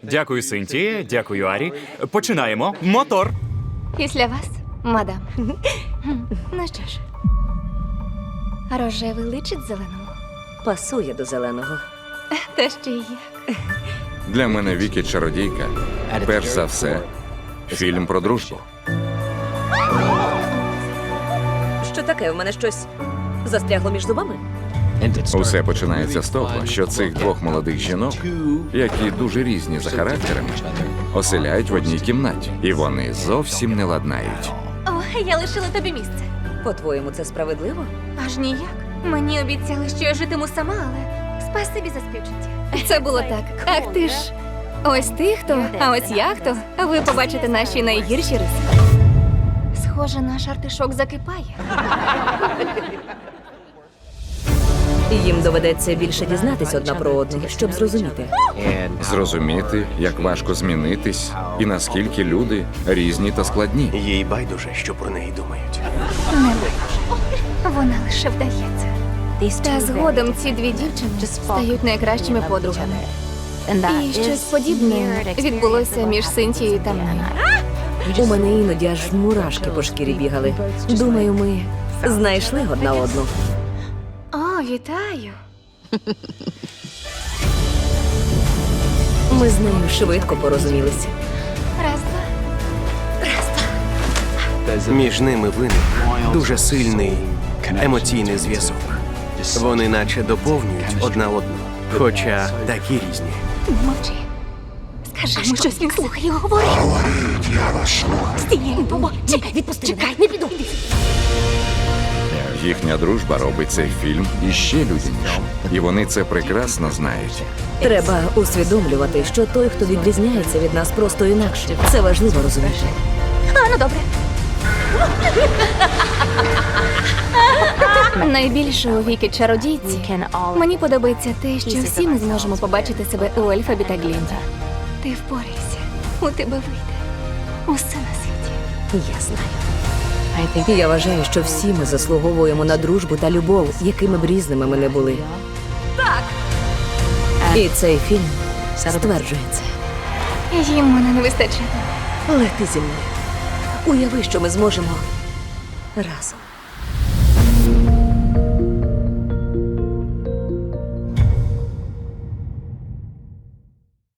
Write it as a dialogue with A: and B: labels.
A: Дякую, Синтія, дякую, Арі. Починаємо. Мотор.
B: Після вас, мадам. Ну що ж, рожевий личить зеленому.
C: Пасує до зеленого.
B: Та ще й як.
D: Для мене Вікі чародійка. Перш за все, фільм про дружбу.
C: Що таке? У мене щось застрягло між зубами?
D: Усе починається з того, що цих двох молодих жінок, які дуже різні за характерами, оселяють в одній кімнаті. І вони зовсім не ладнають.
B: О, я лишила тобі місце.
C: По-твоєму, це справедливо?
B: Аж ніяк. Мені обіцяли, що я житиму сама, але спасибі за співчуття. Це було так. Ах ти ж. Ось ти хто, а ось я хто. Ви побачите наші найгірші риси. Схоже, наш артишок закипає.
C: Їм доведеться більше дізнатись одна про одну, щоб зрозуміти.
D: Зрозуміти, як важко змінитись, і наскільки люди різні та складні.
E: Їй байдуже, що про неї думають.
B: Не байдуже. Вона лише вдається. Та згодом ці дві дівчини стають найкращими подругами. І щось подібне відбулося між Синтією та мною.
C: У мене іноді аж мурашки по шкірі бігали. Думаю, ми знайшли одна одну.
B: О, вітаю.
C: Ми з нею швидко порозумілися.
B: Раз-два.
E: Між ними виник дуже сильний емоційний зв'язок. Вони наче доповнюють одна одну, хоча такі різні.
B: Мовчи. Скажи йому щось, він слухає, говори.
F: Говоріть, я вас слухаю.
B: Стій, чекай, відпусти. Чекай, не піду.
D: Їхня дружба робить цей фільм іще людянішим. І вони це прекрасно знають.
C: Треба усвідомлювати, що той, хто відрізняється від нас, просто інакше. Це важливо розуміти.
B: А, ну добре. Найбільше у Вікі чародійці мені подобається те, що всі ми зможемо побачити себе у Ельфабі та Глінді. Ти впорайся, у тебе вийде усе на світі.
C: Я знаю. Я вважаю, що всі ми заслуговуємо на дружбу та любов, якими б різними ми не були. Так! І цей фільм стверджує це.
B: Їм мене не вистачає.
C: Лети зі мною. Уяви, що ми зможемо разом.